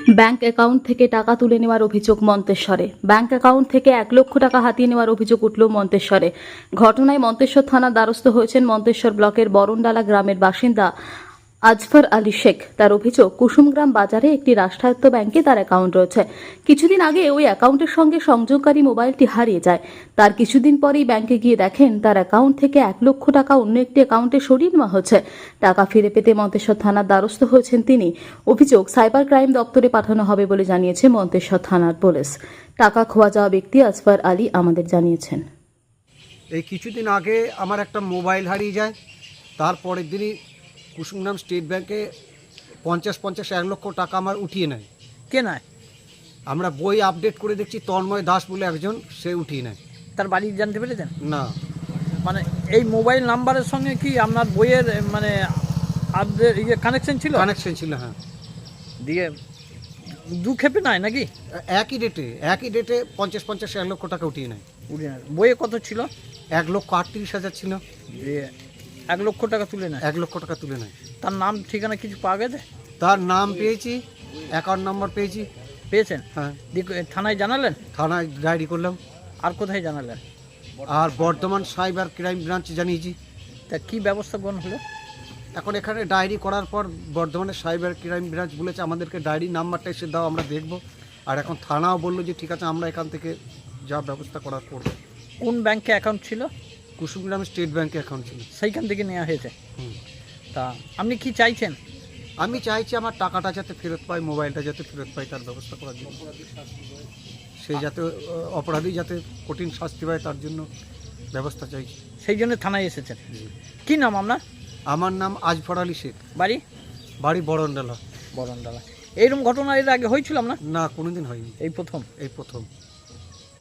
Bank account থেকে টাকা তুলে নেওয়ার অভিযোগ মন্তেশ্বরে। ব্যাংক অ্যাকাউন্ট থেকে 1 লক্ষ টাকা হাতিয়ে নেওয়ার অভিযোগ উঠল মন্তেশ্বরে। ঘটনায় মন্তেশ্বর থানার দ্বারস্থ হয়েছেন মন্তেশ্বর ব্লকের বরণডালা গ্রামের বাসিন্দা আজফর আলী শেখ। তার অভিযোগ, কুসুমগ্রাম বাজারে একটি রাষ্ট্রায়ত্ত ব্যাংকে তার অ্যাকাউন্ট রয়েছে। কিছুদিন আগে ওই অ্যাকাউন্টের সঙ্গে সংযোগকারী মোবাইলটি হারিয়ে যায়। তার কিছুদিন পরেই ব্যাংকে গিয়ে দেখেন তার অ্যাকাউন্ট থেকে 1 লক্ষ টাকা অন্য একটি অ্যাকাউন্টে সরিয়ে নেওয়া হচ্ছে। টাকা ফিরে পেতে মন্তেশ্বর থানার দ্বারস্থ হয়েছেন তিনি। অভিযোগ সাইবার ক্রাইম দপ্তরে পাঠানো হবে বলে জানিয়েছে মন্তেশ্বর থানার পুলিশ। টাকা খোয়া যাওয়া ব্যক্তি আজফর আলী আমাদের জানিয়েছেন, এই কিছুদিন আগে আমার একটা মোবাইল হারিয়ে যায়। তারপরের দিনই কুসুমগ্রাম স্টেট ব্যাংকে 50-1 লক্ষ টাকা আমার উঠিয়ে নেয়। কে নয়? আমরা বই আপডেট করে দেখছি তন্ময় দাস বলে একজন, সে উঠিয়ে নেয়। তার বাড়ি জানতে পেরেছেন? না, মানে এই মোবাইল নাম্বারের সঙ্গে কি আপনার বইয়ের মানে আপডেট কানেকশন ছিল? কানেকশন ছিল, হ্যাঁ। দিয়ে দু খেপে নাই নাকি? একই ডেটে 50-1 লক্ষ টাকা উঠিয়ে নেয়। বইয়ে কত ছিল? 1,38,000 ছিল। দিয়ে 1 লক্ষ টাকা তুলে নেয়। 1 লক্ষ টাকা তুলে নেয়। তার নাম ঠিকানা কিছু পাওয়া গেছে? তার নাম পেয়েছি, অ্যাকাউন্ট নাম্বার পেয়েছি। পেয়েছেন? হ্যাঁ, দিয়ে থানায় জানালেন? থানায় ডায়েরি করলাম। আর কোথায় জানালেন? আর বর্ধমান সাইবার ক্রাইম ব্রাঞ্চে জানিয়েছি। তা কি ব্যবস্থা গ্রহণ হলো? এখন এখানে ডায়েরি করার পর বর্ধমানের সাইবার ক্রাইম ব্রাঞ্চ বলেছে আমাদেরকে ডায়েরি নাম্বারটা এসে দাও, আমরা দেখব। আর এখন থানাও বললো যে ঠিক আছে, আমরা এখান থেকে যা ব্যবস্থা করার করবো। কোন ব্যাংকে অ্যাকাউন্ট ছিল? কুসুমগ্রাম স্টেট ব্যাংকে অ্যাকাউন্ট ছিল। সেইখান থেকে নেওয়া হয়েছে। হুম। তা আপনি কি চাইছেন? আমি চাইছি আমার টাকাটা যাতে ফেরত পাই, মোবাইলটা যাতে ফেরত পাই, তার ব্যবস্থা করার জন্য। সে যাতে অপরাধী যাতে কঠিন শাস্তি পায়, তার জন্য ব্যবস্থা চাইছি। সেই জন্য থানায় এসেছেন। কি নাম আপনার? আমার নাম আজফর আলী শেখ, বাড়ি? বাড়ি বরণডালা। বরণডালা। এইরকম ঘটনা এর আগে হয়েছিল আপনার? না, কোনোদিন হয়নি, এই প্রথম? এই প্রথম।